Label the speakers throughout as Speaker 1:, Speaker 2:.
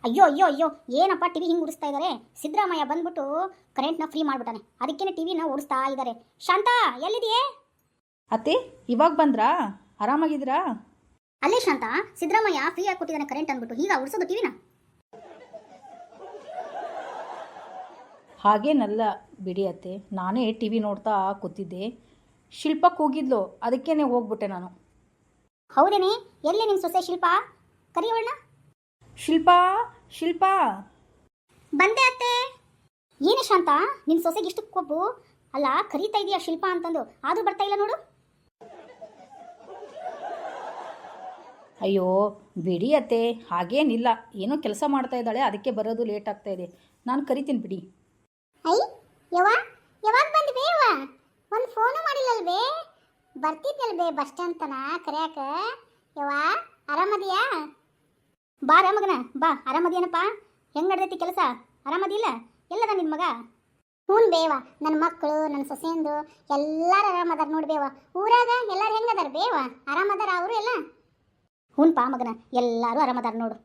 Speaker 1: ಅಯ್ಯೋ ಅಯ್ಯೋ ಅಯ್ಯೋ, ಏನಪ್ಪ ಟಿವಿ ಹಿಂಗೆ ಉಡಿಸ್ತಾ ಇದ್ದಾರೆ. ಸಿದ್ದರಾಮಯ್ಯ ಬಂದ್ಬಿಟ್ಟು ಕರೆಂಟ್ನ ಫ್ರೀ ಮಾಡ್ಬಿಟ್ಟಾನೆ, ಅದಕ್ಕೇನೆ ಟಿವಿನ ಓಡಿಸ್ತಾ ಇದ್ದಾರೆ. ಶಾಂತಾ ಎಲ್ಲಿದೆಯೇ?
Speaker 2: ಅತ್ತೆ ಇವಾಗ ಬಂದ್ರಾ? ಆರಾಮಾಗಿದ್ದೀರಾ?
Speaker 1: ಅಲ್ಲೇ ಶಾಂತಾ, ಸಿದ್ದರಾಮಯ್ಯ ಫ್ರೀ ಆಗಿ ಕೊಟ್ಟಿದ್ದಾನೆ ಕರೆಂಟ್ ಅಂದ್ಬಿಟ್ಟು ಈಗ ಉಡಿಸೋದು ಟಿವಿನ?
Speaker 2: ಹಾಗೇನಲ್ಲ ಬಿಡಿ ಅತ್ತೆ, ನಾನೇ ಟಿ ವಿ ನೋಡ್ತಾ ಕೂತಿದ್ದೆ. ಶಿಲ್ಪಕ್ಕೆ ಹೋಗಿದ್ಲು, ಅದಕ್ಕೇನೆ ಹೋಗ್ಬಿಟ್ಟೆ ನಾನು.
Speaker 1: ಹೌದೇನೆ, ಎಲ್ಲಿ ನಿನ್ನ ಸೊಸೆ ಶಿಲ್ಪ? ಕರಿಯೋಣ.
Speaker 2: ಶಿಲ್ಪಾ ಶಿಲ್ಪಾ.
Speaker 1: ಬಂದೆ ಅತ್ತೆ. ಏನೇ ಶಾಂತ, ನಿನ್ನ ಸೊಸೆಗೆ ಇಷ್ಟು ಕೊಬ್ಬು? ಅಲ್ಲ, ಕರೀತಾ ಇದೀಯಾ ಶಿಲ್ಪ ಅಂತಂದು, ಆದರೂ ಬರ್ತಾ ಇಲ್ಲ ನೋಡು.
Speaker 2: ಅಯ್ಯೋ ಬಿಡಿ ಅತ್ತೆ, ಹಾಗೇನಿಲ್ಲ, ಏನೋ ಕೆಲಸ ಮಾಡ್ತಾ ಇದ್ದಾಳೆ, ಅದಕ್ಕೆ ಬರೋದು ಲೇಟ್ ಆಗ್ತಾ ಇದೆ. ನಾನು ಕರಿತೀನಿ ಬಿಡಿ.
Speaker 1: ಐ ಯಾವಾಗ ಬಂದ್ಬೇ? ಒಂದು ಫೋನು ಮಾಡಿಲ್ಲಲ್ವೇ? ಬರ್ತಿದ್ದಲ್ವೇ ಬಸ್ ಸ್ಟ್ಯಾಂಡ್ ತನ ಕರೆಯಾಕ? ಆರಾಮದಿಯಾ? ಬಾ ರಾಮಗನ ಬಾ. ಆರಾಮದಿಯನಪ್ಪ? ಹೆಂಗೆ ನಡ್ದೈತಿ ಕೆಲಸ? ಆರಾಮದಿಲ್ಲ? ಎಲ್ಲದ ನಿನ್ನ ಮಗ? ಹ್ಞೂ ಬೇವ, ನನ್ನ ಮಕ್ಕಳು ನನ್ನ ಸೊಸೆಂದು ಎಲ್ಲರೂ ಆರಾಮದಾರ ನೋಡ್ಬೇವ. ಊರಾಗ ಎಲ್ಲರೂ ಹೆಂಗದಾರ ಬೇವ? ಆರಾಮದಾರ ಅವರು ಎಲ್ಲ? ಹ್ಞೂನ್ಪಾ ಮಗನ, ಎಲ್ಲರೂ ಆರಾಮದಾರ ನೋಡು.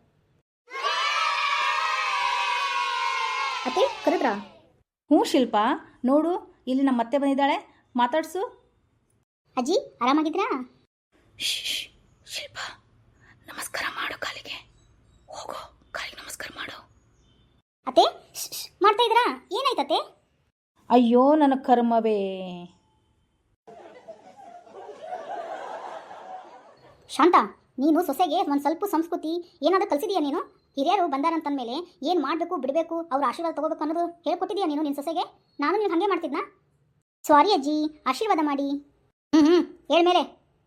Speaker 1: ಅತ್ತೆ ಕರೆದ್ರಾ?
Speaker 2: ಹ್ಞೂ ಶಿಲ್ಪಾ, ನೋಡು ಇಲ್ಲಿ ನಮ್ಮ ಮತ್ತೆ ಬಂದಿದ್ದಾಳೆ, ಮಾತಾಡ್ಸು.
Speaker 1: ಅಜ್ಜಿ ಆರಾಮಾಗಿದ್ರಾ?
Speaker 2: ಶಿಲ್ಪಾ ನಮಸ್ಕಾರ ಮಾಡು, ಕಾಲಿಗೆ ಹೋಗೋ, ಕಾಲಿಗೆ ನಮಸ್ಕಾರ ಮಾಡು.
Speaker 1: ಅತ್ತೆ ಮಾಡ್ತಾ ಇದ್ರಾ? ಏನಾಯ್ತತೆ?
Speaker 2: ಅಯ್ಯೋ ನನ್ನ ಕರ್ಮವೇ.
Speaker 1: ಶಾಂತ, ನೀನು ಸೊಸೆಗೆ ಒಂದು ಸ್ವಲ್ಪ ಸಂಸ್ಕೃತಿ ಏನಾದರೂ ಕಲಿಸಿದೀಯಾ ನೀನು? ಹಿರಿಯರು ಬಂದಾರಂತಂದಮೇಲೆ ಏನು ಮಾಡಬೇಕು ಬಿಡಬೇಕು, ಅವ್ರ ಆಶೀರ್ವಾದ ತಗೋಬೇಕು ಅನ್ನೋದು ಹೇಳ್ಕೊಟ್ಟಿದೀಯಾ ನೀನು ನಿನ್ನ ಸೊಸೆಗೆ? ನಾನು ನೀನು ಹಾಗೆ ಮಾಡ್ತಿದ್ನಾ? ಸಾರಿ ಅಜ್ಜಿ, ಆಶೀರ್ವಾದ ಮಾಡಿ. ಹೇಳ್ಮೇಲೆ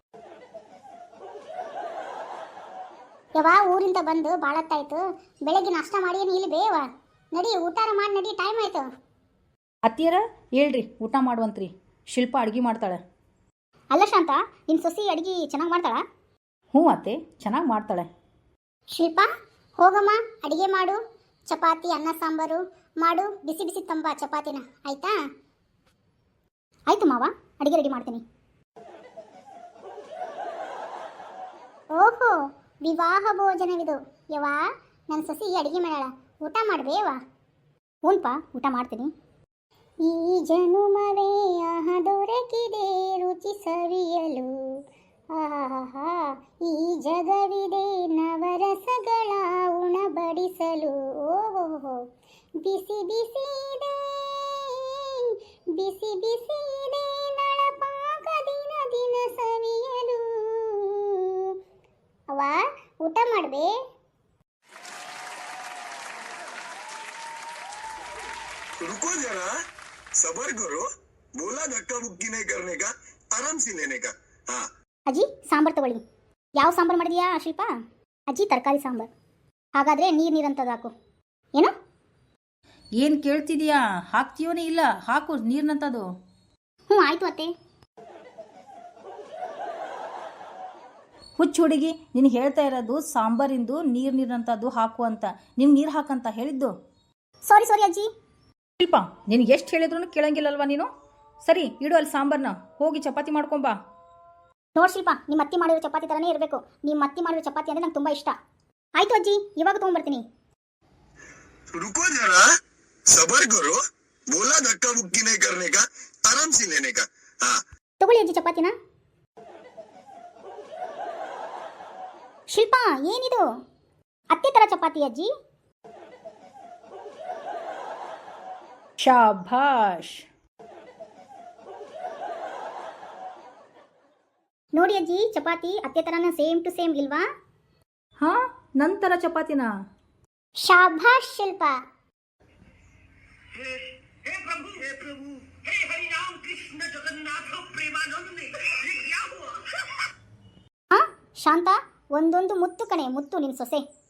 Speaker 1: ಊರಿಂದ ಬಂದು ಭಾಳತ್ತಾಯ್ತು, ಬೆಳಗ್ಗೆ ನಾಷ್ಟ ಮಾಡಿ ಏನು ಇಲ್ಲಿ ಬೇವ? ನಡಿ ಊಟಾರ ಮಾಡಿ ನಡಿ, ಟೈಮ್ ಆಯ್ತು.
Speaker 2: ಅತ್ತಿಯರ ಹೇಳ್ರಿ, ಊಟ ಮಾಡುವಂತ್ರಿ. ಶಿಲ್ಪ ಅಡುಗೆ ಮಾಡ್ತಾಳೆ.
Speaker 1: ಅಲ್ಲ ಶಾಂತ, ನಿನ್ನ ಸೊಸಿ ಅಡುಗೆ ಚೆನ್ನಾಗಿ ಮಾಡ್ತಾಳಾ?
Speaker 2: ಹ್ಞೂ ಅತ್ತೆ, ಚೆನ್ನಾಗಿ ಮಾಡ್ತಾಳೆ.
Speaker 1: ಶಿಲ್ಪ ಹೋಗಮ್ಮ, ಅಡುಗೆ ಮಾಡು. ಚಪಾತಿ ಅನ್ನ ಸಾಂಬಾರು ಮಾಡು, ಬಿಸಿ ಬಿಸಿ ತಂಬ ಚಪಾತಿನ, ಆಯ್ತಾ? ಆಯ್ತು ಮಾವ, ಅಡುಗೆ ರೆಡಿ ಮಾಡ್ತೀನಿ. ಓಹೋ, ವಿವಾಹ ಭೋಜನವಿದು. ನನ್ನ ಸೊಸಿ ಅಡುಗೆ ಮಾಡ್ಯಾಳ, ಊಟ ಮಾಡ್ಬೇವ? ಹ್ಞೂನ್ಪ, ಊಟ ಮಾಡ್ತೀನಿ. ಈ ಜನುಮವೇ ಆಹ ದೊರಕಿದೆ ರುಚಿ ಸವಿಯಲು, ಆಹಾ ಈ ಜಗವಿದೆ ನವರಸಗಳ ಉಣಬಡಿಸಲು. ಓಹೋ, ಬಿಸಿ ಬಿಸಿದೆ ಬಿಸಿ ಬಿಸಿದೆ ನಳಪಾಕ ದಿನ ದಿನ ಸವಿಯಲು. ಊಟ ಮಾಡ್ಬೇ?
Speaker 3: रुको जरा, सबर करो, बोला धक्का बुक्की नहीं करने का, आराम से लेने का. हाँ
Speaker 1: ಅಜ್ಜಿ ಸಾಂಬಾರು ತಗೊಳ್ಳಿ. ಯಾವ ಸಾಂಬಾರು ಮಾಡಿದ್ಯಾ ಶಿಲ್ಪ? ಅಜ್ಜಿ ತರಕಾರಿ ಸಾಂಬಾರು. ಹಾಗಾದರೆ ನೀರಂತದ್ದು ಹಾಕು. ಏನು
Speaker 2: ಏನು ಕೇಳ್ತಿದೀಯಾ? ಹಾಕ್ತೀಯೋನೇ ಇಲ್ಲ, ಹಾಕು ನೀರಿನಂತದು.
Speaker 1: ಹ್ಞೂ ಆಯಿತು ಅತ್ತೆ.
Speaker 2: ಹುಚ್ಚು ಹುಡುಗಿ, ನೀನು ಹೇಳ್ತಾ ಇರೋದು ಸಾಂಬಾರಿಂದು ನೀರಿನಂತದ್ದು ಹಾಕು ಅಂತ. ನಿಮ್ಗೆ ನೀರು ಹಾಕಂತ ಹೇಳಿದ್ದು.
Speaker 1: ಸಾರಿ ಅಜ್ಜಿ.
Speaker 2: ಶಿಲ್ಪ, ನಿನಗೆ ಎಷ್ಟು ಹೇಳಿದ್ರು ಕೇಳಂಗಿಲ್ಲಲ್ವಾ ನೀನು? ಸರಿ ಇಡು ಅಲ್ಲಿ ಸಾಂಬಾರನ್ನ, ಹೋಗಿ ಚಪಾತಿ ಮಾಡ್ಕೊಂಬಾ.
Speaker 1: ನೋಡಿ ಶಿಲ್ಪ, ನಿಮ್ಮ ಅತ್ತಿ ಮಾಡಿರೋ ಚಪಾತಿ ಥರನೇ ಇರಬೇಕು. ನಿಮ್ಮ ಅತ್ತಿ ಮಾಡಿರೋ ಚಪಾತಿ ಅಂದರೆ ನಂಗೆ ತುಂಬ ಇಷ್ಟ. ಆಯಿತು ಅಜ್ಜಿ, ಇವಾಗ ತೊಗೊಂಬರ್ತೀನಿ.
Speaker 3: रुको जरा, सबर करो, बोला धक्का बुक्की नहीं करने का, आराम से लेने का. हाँ
Speaker 1: ತಗೊಳ್ಳಿ ಅಜ್ಜಿ ಚಪಾತಿನ. ಶಿಲ್ಪ, ಏನಿದು? ಅತ್ತೆ ಥರ ಚಪಾತಿ ಅಜ್ಜಿ.
Speaker 2: ಶಾಭಾಷ್.
Speaker 1: ನೋಡಿ ಅಜ್ಜಿ, ಚಪಾತಿ ಅತ್ತೆ ಥರನ ಸೇಮ್ ಟು ಸೇಮ್ ಇಲ್ವಾ?
Speaker 2: ಹಾಂ, ನಂತರ ಚಪಾತಿನ.
Speaker 1: ಶಾಭಾಷ್ ಶಿಲ್ಪ.
Speaker 4: हे प्रभु, हे हरि राम कृष्ण जगन्नाथ प्रेमानंद, ये क्या हुआ?
Speaker 1: ಹಾಂ ಶಾಂತ, ಒಂದೊಂದು ಮುತ್ತು ಕಣೆ, ಮುತ್ತು ನಿನ್ನ ಸೊಸೆ.